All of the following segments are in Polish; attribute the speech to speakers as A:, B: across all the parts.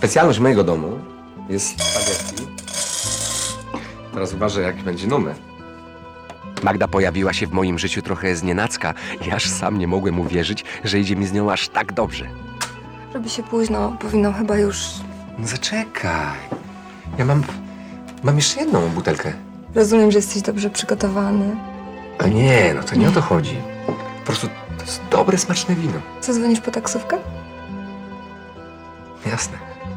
A: Specjalność mojego domu jest spaghetti. Teraz uważaj, jak będzie numer. Magda pojawiła się w moim życiu trochę znienacka i aż sam nie mogłem uwierzyć, że idzie mi z nią aż tak dobrze.
B: Robi się późno, powinnam chyba już...
A: No zaczekaj. Ja mam jeszcze jedną butelkę.
B: Rozumiem, że jesteś dobrze przygotowany.
A: A nie, no to nie o to chodzi. Po prostu to jest dobre, smaczne wino.
B: Co, dzwonisz po taksówkę?
A: Jasne.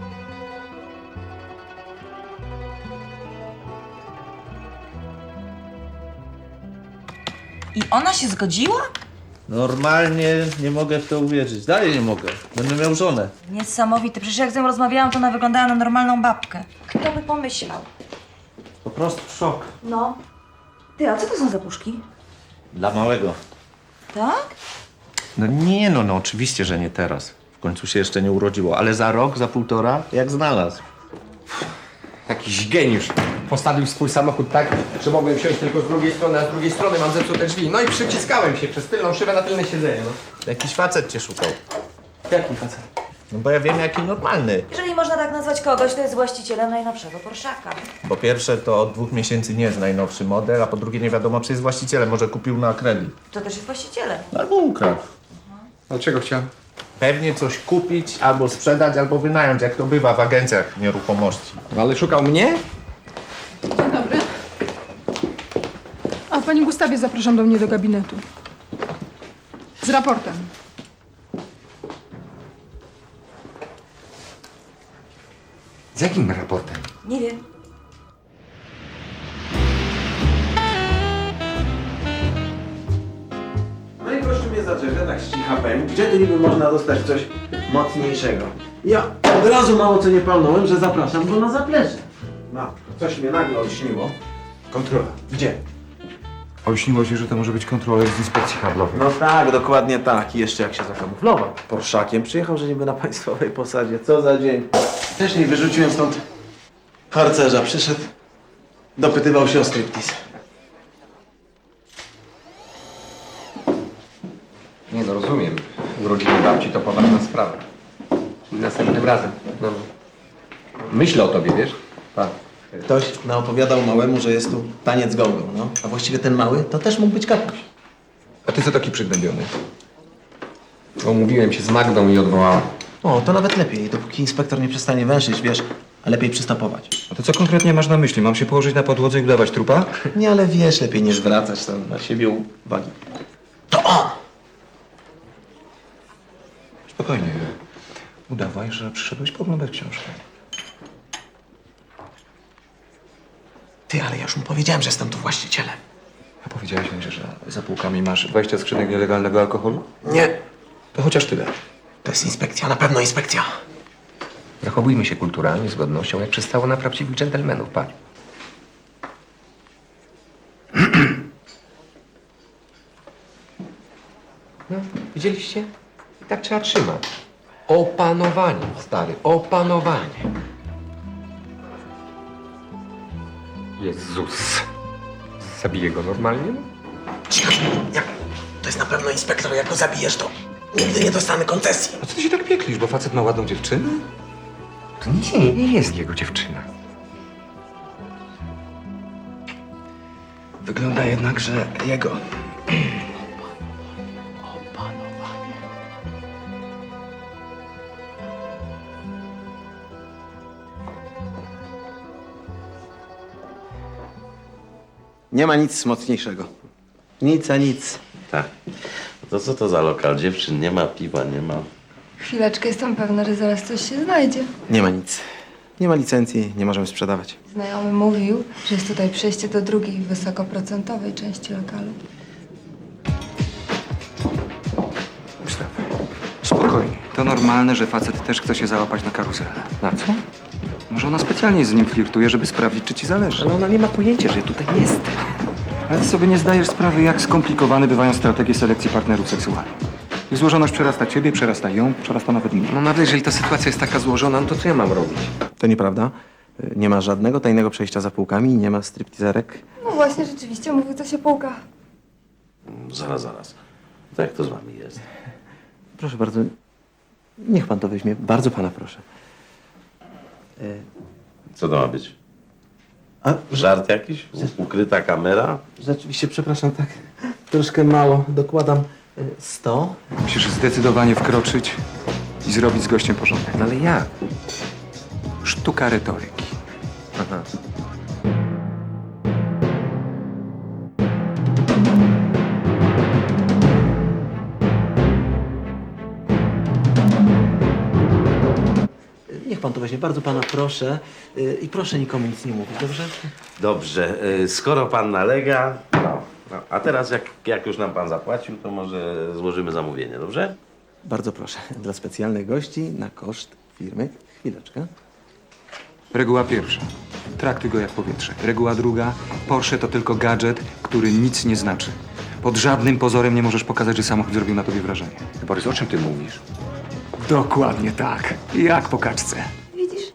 C: I ona się zgodziła?
D: Normalnie nie mogę w to uwierzyć. Dalej nie mogę. Będę miał żonę.
C: Niesamowite. Przecież jak z nią rozmawiałam, to ona wyglądała na normalną babkę. Kto by pomyślał?
D: Po prostu szok.
C: No. Ty, a co to są za puszki?
D: Dla małego.
C: Tak?
D: No nie no, oczywiście, że nie teraz. W końcu się jeszcze nie urodziło, ale za rok, za półtora, jak znalazł.
A: Jakiś geniusz. Postawił swój samochód tak, że mogłem wsiąść tylko z drugiej strony, a z drugiej strony mam zepsute drzwi. No i przyciskałem się przez tylną szybę na tylne siedzenie, no.
D: Jakiś facet cię szukał.
A: Jaki facet?
D: No bo ja wiem, jaki normalny.
C: Jeżeli można tak nazwać kogoś, to jest właścicielem najnowszego Porszaka.
D: Po pierwsze, to od 2 miesięcy nie jest najnowszy model, a po drugie nie wiadomo, czy jest właścicielem. Może kupił na kredyt.
C: To też jest właścicielem.
D: Albo ukradł.
A: A czego chciałem?
D: Pewnie coś kupić, albo sprzedać, albo wynająć, jak to bywa w agencjach nieruchomości.
A: No ale szukał mnie?
E: Dzień dobry. A pani Gustawie zapraszam do mnie do gabinetu. Z raportem.
A: Z jakim raportem?
C: Nie wiem.
F: No i proszę mnie zacząć, ja tak ścicha powiem, gdzie tu niby można dostać coś mocniejszego? Ja od razu mało co nie palnąłem, że zapraszam go na zaplecze. No, coś mnie nagle olśniło.
G: Kontrola.
F: Gdzie?
G: Olśniło się, że to może być kontroler z inspekcji handlowej.
F: No tak, dokładnie tak. I jeszcze jak się zakamuflował Porszakiem, przyjechał, że niby na państwowej posadzie. Co za dzień. Wcześniej wyrzuciłem stąd harcerza. Przyszedł, dopytywał się o striptease.
A: Nie no, rozumiem. Urodziny babci to poważna sprawa. Następnym razem. No. Myślę o tobie, wiesz? Tak.
F: Ktoś naopowiadał małemu, że jest tu taniec gongą, no. A właściwie ten mały to też mógł być kapuś.
A: A ty co taki przygnębiony? Umówiłem się z Magdą i odwołałem.
F: O, to nawet lepiej, dopóki inspektor nie przestanie węszyć, wiesz, a lepiej przystopować.
G: A to co konkretnie masz na myśli? Mam się położyć na podłodze i udawać trupa?
F: Nie, ale wiesz, lepiej nie zwracać tam na siebie uwagi. To on!
G: Spokojnie. Udawaj, że przyszedłeś poglądać książkę.
F: Ty, ale ja już mu powiedziałem, że jestem tu właścicielem.
G: A powiedziałeś mi, że za półkami masz 20 skrzynek nielegalnego alkoholu?
F: Nie,
G: To chociaż tyle.
F: to jest inspekcja, na pewno inspekcja.
A: Zachowujmy się kulturalnie, z godnością, jak przystało na prawdziwych dżentelmenów, patrz. No, widzieliście? I tak trzeba trzymać. Opanowanie, stary, opanowanie. Jezus. Zabiję go normalnie?
F: Cicho, jak? To jest na pewno inspektor, jak go zabijesz, to nigdy nie dostanę koncesji.
G: A co ty się tak pieklisz, bo facet ma ładną dziewczynę?
A: To nie jest jego dziewczyna.
G: Wygląda jednak, że jego.
F: Nie ma nic mocniejszego. Nic a nic.
H: Tak. To co to za lokal? Dziewczyn nie ma, piwa nie ma.
B: Chwileczkę, jestem pewna, że zaraz coś się znajdzie.
F: Nie ma nic. Nie ma licencji, nie możemy sprzedawać.
B: Znajomy mówił, że jest tutaj przejście do drugiej, wysokoprocentowej części lokalu.
G: Gustaw, spokojnie. To normalne, że facet też chce się załapać na karuzelę.
A: Na co?
G: Może ona specjalnie z nim flirtuje, żeby sprawdzić, czy ci zależy.
A: Ale ona nie ma pojęcia, że ja tutaj jestem.
G: Ale ty sobie nie zdajesz sprawy, jak skomplikowane bywają strategie selekcji partnerów seksualnych. Ich złożoność przerasta ciebie, przerasta ją, przerasta nawet mnie.
A: No nawet jeżeli ta sytuacja jest taka złożona, no to co ja mam robić?
F: To nieprawda. Nie ma żadnego tajnego przejścia za półkami, nie ma stripteaserek.
B: No właśnie, rzeczywiście, mówił coś o półkach.
H: Zaraz. To jak to z wami jest?
F: Proszę bardzo, niech pan to weźmie. Bardzo pana proszę.
H: Co to ma być?
F: A,
H: Żart jakiś? Ukryta kamera?
F: rzeczywiście, przepraszam, tak troszkę mało. Dokładam 100.
G: Musisz zdecydowanie wkroczyć i zrobić z gościem porządek.
A: No ale jak?
G: Sztuka retoryki.
A: Aha.
F: Niech pan to weźmie, bardzo pana proszę. I proszę nikomu nic nie mówić, dobrze?
H: Dobrze, skoro pan nalega, no. A teraz jak już nam pan zapłacił, to może złożymy zamówienie, dobrze?
F: Bardzo proszę. Dla specjalnych gości na koszt firmy. Chwileczkę.
G: Reguła pierwsza. Traktuj go jak powietrze. Reguła druga. Porsche to tylko gadżet, który nic nie znaczy. Pod żadnym pozorem nie możesz pokazać, że samochód zrobił na tobie wrażenie.
A: Borys, o czym ty mówisz?
G: Dokładnie tak. Jak po kaczce.
B: Widzisz?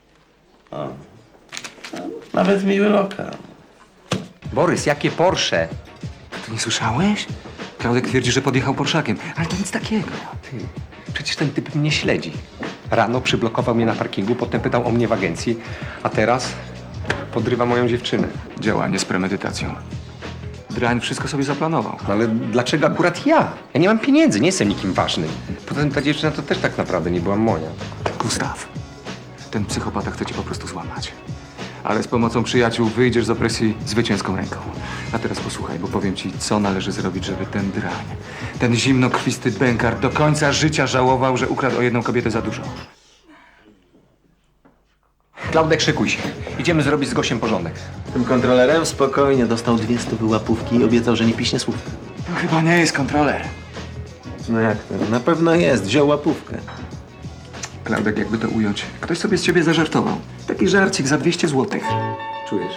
H: Nawet miły lokal.
A: Borys, jakie Porsche?
G: Ty nie słyszałeś? Klaudek twierdzi, że podjechał Porszakiem, ale to nic takiego.
A: Ty, przecież ten typ mnie śledzi. Rano przyblokował mnie na parkingu, potem pytał o mnie w agencji, a teraz podrywa moją dziewczynę.
G: Działanie z premedytacją. Drań wszystko sobie zaplanował.
A: No ale dlaczego akurat ja? Ja nie mam pieniędzy, nie jestem nikim ważnym. Poza tym ta dziewczyna to też tak naprawdę nie była moja.
G: Gustaw, ten psychopata chce cię po prostu złamać. Ale z pomocą przyjaciół wyjdziesz z opresji zwycięską ręką. A teraz posłuchaj, bo powiem ci, co należy zrobić, żeby ten drań, ten zimnokrwisty bękar do końca życia żałował, że ukradł o jedną kobietę za dużo.
A: Klaudek, szykuj się. Idziemy zrobić z gościem porządek.
F: Tym kontrolerem spokojnie dostał 200 łapówki i obiecał, że nie piśnie słów.
G: To chyba nie jest kontroler.
F: No jak to? Na pewno jest. Wziął łapówkę.
G: Klaudek, jakby to ująć, ktoś sobie z ciebie zażartował. Taki żarcik za 200 złotych.
A: Czujesz?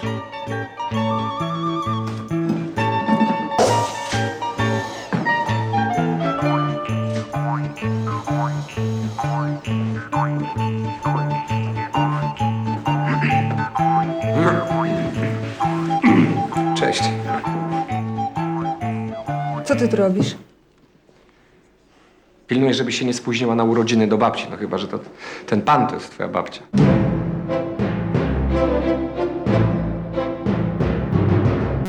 A: Cześć.
B: Co ty tu robisz?
A: Pilnuję, żeby się nie spóźniła na urodziny do babci. No chyba, że to ten pan to jest twoja babcia.